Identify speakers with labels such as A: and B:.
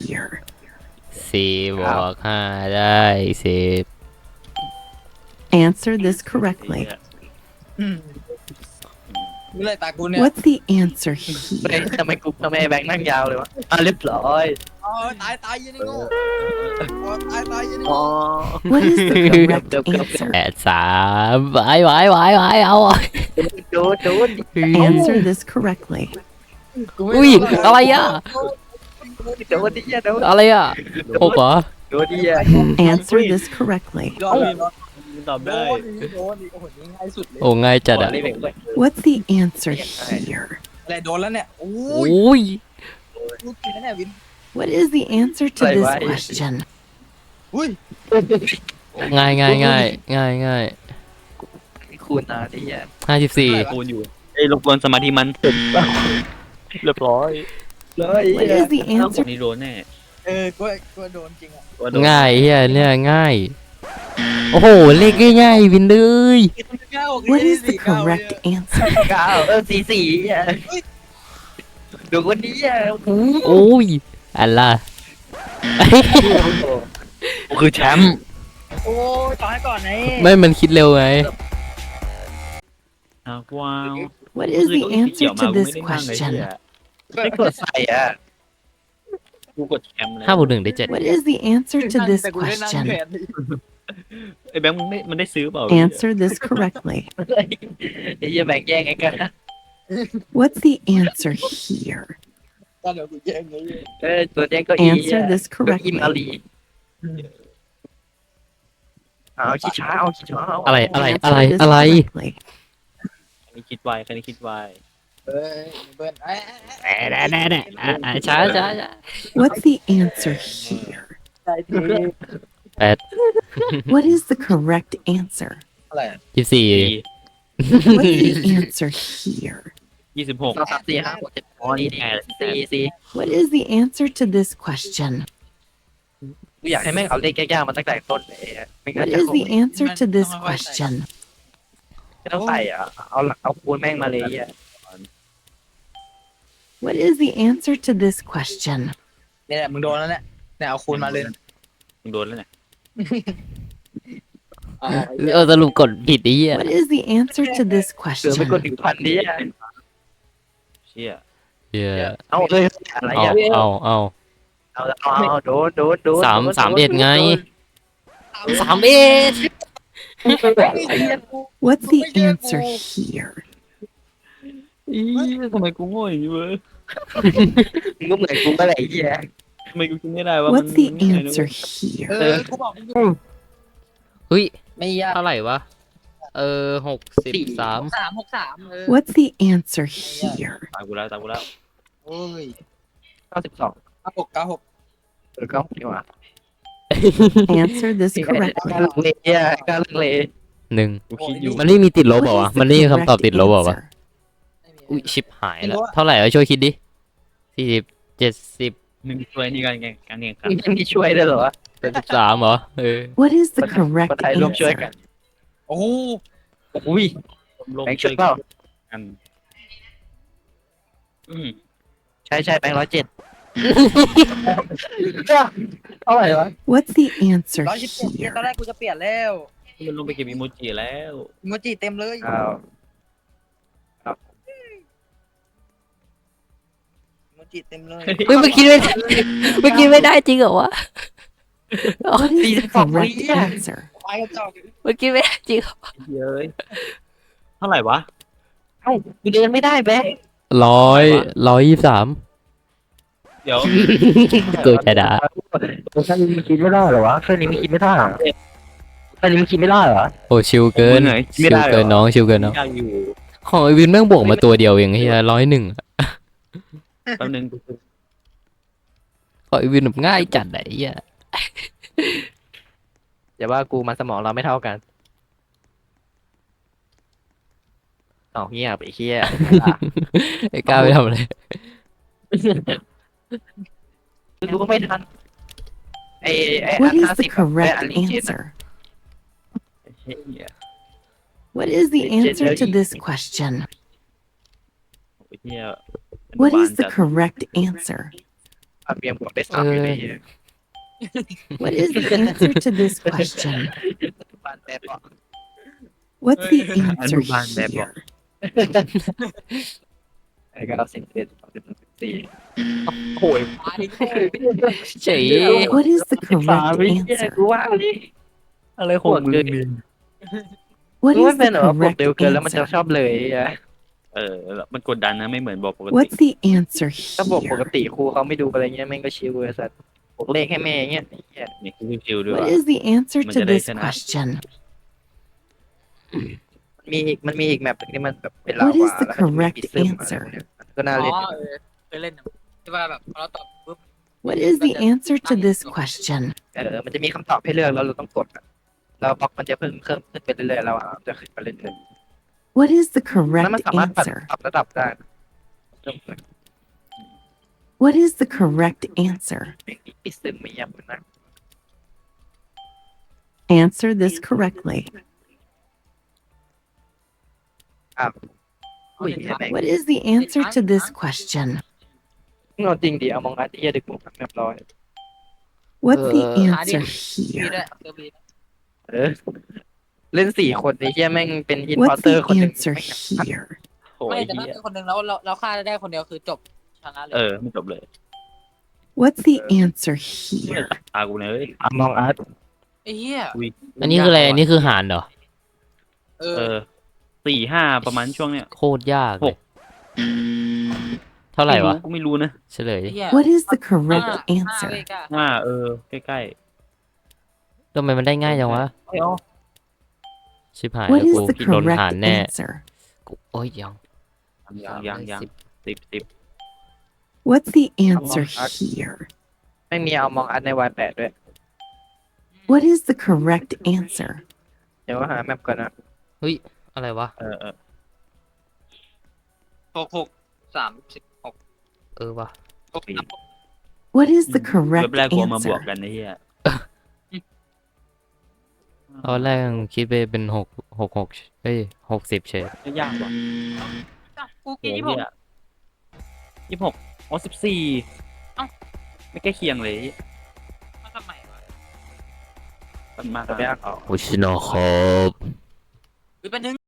A: here?
B: 4+5ได้10
A: Answer this correctly.
C: นี่เลยตากูเนี่ย
A: What's the answer
D: เฮ้ย
A: here?
D: ทำไมแบงค์นั่งยาวเลยวะเรียบร้อย
C: อ๋อตายยันนี่โง่ตายยันนี่
D: อ๋อ
C: โง่
A: What is the correct
D: Go, go, go.
A: answer?
B: 8-3ไหวเอา
D: โดน
A: Answer this correctly.
B: อุ้ยอะไรอ่ะ
D: โดนดิโดน
B: อะไรอ่ะ6เหรอ
D: โดนดิอ่ะ
A: Answer this correctly.
C: ยอดเลย
E: ตอบ
C: โด
E: ได้
C: นโดนโอ้โหนี่ง่ายสุดเลย
B: โอ้ง่ายจัดอ่ะ
D: นี่แบงค์ด้วย
A: What's the answer here?
C: อะไรโดนแล้วเนี่ยโอ้
B: โอย ้ย
C: ลูกกินแล้วเนี่ยวิน
A: What is the answer to this question?
C: อุ้ย
B: ง่าย
D: คูณนะดิอ่ะ
B: 54
E: คูณอยู่ไอ้รบกวนสมาธิมันเรียบร้อย
D: เลย
A: What is the answer?
E: นี่โดนแน่
C: ก็โดนจริงอ่ะ
E: ว่าโดน
B: ง่ายเฮียเนี่ยง่าย โอ้โหเลขง่ายๆวินเลย
A: What is the correct answer?
D: 4อ่ะดูคนนี้อ่ะ
B: โอ้ยอะไรล่ะ
D: คือแชมป์
C: โอ้ยต่อให้ก่อนไง
B: ไม่มันคิดเร็วไง
E: ว้าว
A: What is the answer to this question?
D: ไม่กดใส่อ่ะ
E: กูกดแชมป์เลย
B: 5+1ได้7
A: What is the answer to this
C: แต่กูได้นั่ง
A: question?
C: แขน
E: ไอ้แบงค์มันได้ซื้อเปล่า
A: Answer this correctly.
D: ไอ้เหี้ยแบ่งแย่งไงกัน
A: What's the answer here?
C: ตอนเดี๋ยวกูแย่งไง
D: ตัวแย่งก็อี
A: Answer this
D: อิมอา
A: correctly.
D: ลีเอาขี้ช้าเอาขี้ช้า
B: อะไร
A: Answer this correctly.
E: ใครนี่คิดไวใครนี่คิดไว
C: เฮ้ยเบิ้ลไอ้
B: ช้า
A: What's the answer here?
C: ใจที
A: What is the correct answer?
C: อะไร
B: 24
A: What's the answer here?
E: 26
D: 2 3 4 5 6 7 อ๋อนี่สี่
A: What is the answer to this question?
D: กูอยากให้แม่งเอาเลขยากๆมาตั้งแต่ต้นเลยไม่งั้น
A: What
D: จะ
A: is the answer to this question?
D: ไม่ต้องใส่อ่ะเอาคูณแม่งมาเลยอ่ะ
A: What is the answer to this question?
C: เนี่ยมึงโดนแล้วเนี่ยเอาคูณมาเลย
E: มึงโดนแล้วเนี่ย
B: สรุปกดผิดไอ้เหี้ย
A: What is the answer to this
D: เสือไม่กด
A: question?
D: 1,000ดิอ่ะ
E: เชี่ย
B: เหี้ย
D: เอาเลยอะไรอ่ะ เอาโดน
B: 3 ไง3
A: What's the answer here?
E: อีทำไมกูโง่อย่างนี้เว้ย
D: มึงก็เหมือนกูก็เลยไอ้เหี้ย
E: ทำไมกูคิดไม่ได้ว่า
A: What's the answer here?
C: กูบอกมึง
B: เฮ้ย
C: ไม่ยาก
B: เท่าไหร่วะ63
C: 363
A: What's the answer here?
E: ตายกูแล้ว
C: โอ้ย
D: 92
C: 96
D: ก็ดีกว่า
A: Answer this
D: กล้า
A: correctly.
D: ลังเลอ่ะกล้าลังเล
B: 1
E: กูคิดอยู่
B: มันไม่มีติดลบ
A: What
B: เปล่าวะ
A: is the
B: มันไม่มีคำตอบ
A: correct
B: ติดลบเปล่าวะ
A: answer?
B: อุ้ยชิบหายแล้วเท่าไหร่วะช่วยคิดดิ40 70
E: หนึ่งช่วยนี่การแข่งขัน
D: ยังมีช่วยได้เหรอวะ
B: 73เหรอ
A: What is the
D: คน
A: correct
D: ไทยร่วมช่วยกัน
A: answer?
C: โอ้โห
D: อุ้ย
E: ลง
D: แบงค์ช่วยเปล่า
E: กันอืม
D: ใช่แบงค์107เท่าไหร่วะ
A: What's the answer
C: 117ตอนแร
A: here?
C: กกูจะเปลี่ยนแล้ว
E: มันลงไปเก็บอีโมจิแล้ว
C: อีโมจิเต็มเลย
D: อ้าว
C: อีโมจิเต็มเลย
B: เฮ้ยมันคิดไม่ได้จริงเหรอวะ
A: What is the correct answer?
C: ไปกระจอก
B: มันคิดไม่ได้จริงเหรอ
E: เย้ยเท่าไหร่วะ
D: เอ้ากูเดินไม่ได้แบงค์
B: 123
E: เดี๋ยว
B: เกิดจะด่า
D: แค่นี้มันคิดไม่ได้เหรอวะแค่นี้มันคิดไม่ได้เหรอแค่นี้มันคิดไม่ได้เหรอ
B: โอ้ชิวเกิน
E: เหนื่อย
B: ชิวเกินน้องชิวเกินน้อง
E: อยากอยู่
B: ของไอวินแม่งบวกมาตัวเดียวเองเฮีย101
E: แป๊บนึง
B: ของไอวินแบบง่ายจัดไหนเฮีย
D: อย่าว่ากูมันสมองเราไม่เท่ากันเอาเหี้ยไปเหี้ย
B: ไอ้ก้าวไปทำอะไร
D: รู้ก็ไม่ทันไอ้
A: What is
D: 50
A: the correct
D: อันนี้เจ็ด
A: answer?
E: เฮีย
A: What is the answer to this question?
E: เฮีย
A: What is the correct answer?
D: ทำเบียมบอกได้3อยู่ดี
A: What is the answer to this question?
D: บ้านแต่บอก
A: What's the answer
E: Anuban Bebok.
A: here?
D: ไอ้ก็เอา11 14โอ้ย
B: เฉย
A: What is the
D: สาม
A: correct
D: วิ
A: answer?
D: กูว่าอะไรของมึงเนี่ย
A: What
D: กูว่า
A: is
D: เป็น
A: the
D: แบบว่ากด
A: correct
D: เร็วเกินแล้วมันจะ
A: answer?
D: ชอบเลยอะ
E: มันกดดันนะไม่เหมือนบอกปกติ
A: What's the answer
D: ถ้าบอกปก
A: here?
D: ติครูเขาไม่ดูอะไรเงี้ยแม่งก็ชิวเลยสัตว์บวกเลขให้แม่เงี้ย
E: นี่คือชิวด้วย
A: What is the answer
E: Mình
A: to
E: ra đây
A: this
E: xem nào.
A: question?
D: มันมีอีกแมปหนึงที่มันแบบเป็นลา
A: What
D: วา
A: is the
D: แล้วมันจะมี
A: correct
D: ปิดซึมอะไร
A: answer?
D: พวกเนี้ยก็น่า
C: อ๋อ
D: เล่น
C: เคยเล่นนะที่ว่าแบบพอเราตอบปุ๊บ
A: What is the answer to this question?
D: มันจะมีคำตอบให้เลือกแล้วเราต้องกดอะแล้วบล็อกมันจะเพิ่มขึ้นไปเรื่อยๆแล้วจะขึ้นไปเรื่อย
A: What is the
D: ๆแล้วมัน
A: correct
D: สามารถปรับ
A: answer?
D: ระดับได้
A: What is the correct answer?
D: ปิดซึมไม่ยับนะ
A: Answer this correctly.
D: อุ้ยแม่ง
A: What is the answer to this question?
D: เอาจริงดิเอามองอาร์ตที่ดึกหมดแบบเรียบร้อย
A: What's the answer
C: มีด้ว
A: here?
C: ยเซอร์บี
D: เล่น4 คนไอ้เหี้ยแม่งเป็นอินพอร์
A: What's
D: เตอร์
A: the
D: คนหนึ่ง
A: answer
D: แม่ง
A: here?
E: โอ้
C: ไม่
E: ย
C: แต่ถ้า
E: เหี้ย
C: เป็นคนหนึ่งแล้วเราฆ่าได้คนเดียวคือจบชนะเลย
E: ไม่จบเลย
A: What's the answer here?
E: ตากูเลย
D: มองอาร์ต
C: ไอ้เหี้ย
B: อันนี้คืออะไร อันนี้คือหารเหรอ
C: เอ
E: เอ
C: อ
E: อ4-5ประมาณช่วงเนี้ย
B: โคตรยากเลย เท่าไหร่วะ
E: กูไม่รู้นะ
B: เฉลย
C: ไอ้เหี้ย
A: What is the
C: ห้า
A: correct
C: ห้า
A: answer?
C: เลขอะ
E: ใกล้
B: ทำไมมันได้ง่ายจังวะ ชิบหาย
A: What
B: แล้ว
A: is
B: กู
A: the
B: ผิดโดนหาร
A: correct
B: แน่
A: answer?
B: โอ้ยยัง
E: ยัง10
A: What's the answer here?
D: ไม่มีเอามองอาร์ตใน Y8 ด้วย
A: What is the correct answer?
D: เดี๋ยวหาแมปก่อนนะ
B: อะไรวะ
C: 66
B: เออวะ
A: What is the
E: เว็
A: correct
E: บแรกกูเอามาบวก
A: answer?
E: กันไอ้เหี้ย
B: ตอนแรกคิดไปเป็น6 เอ้ย60เฉย
E: ไม่ยากว่ะ
C: กู
E: โอ้
C: กิน
E: ย
C: 26
E: อ๋อ14
C: เอ้า
E: ไม่ใกล้เคียงเลย
C: มาทำไมวะ
E: มันมาก
D: ตัวไม่ยากออก
B: โอ้ชิโนครับ
C: หรือเป็นหนึ่ง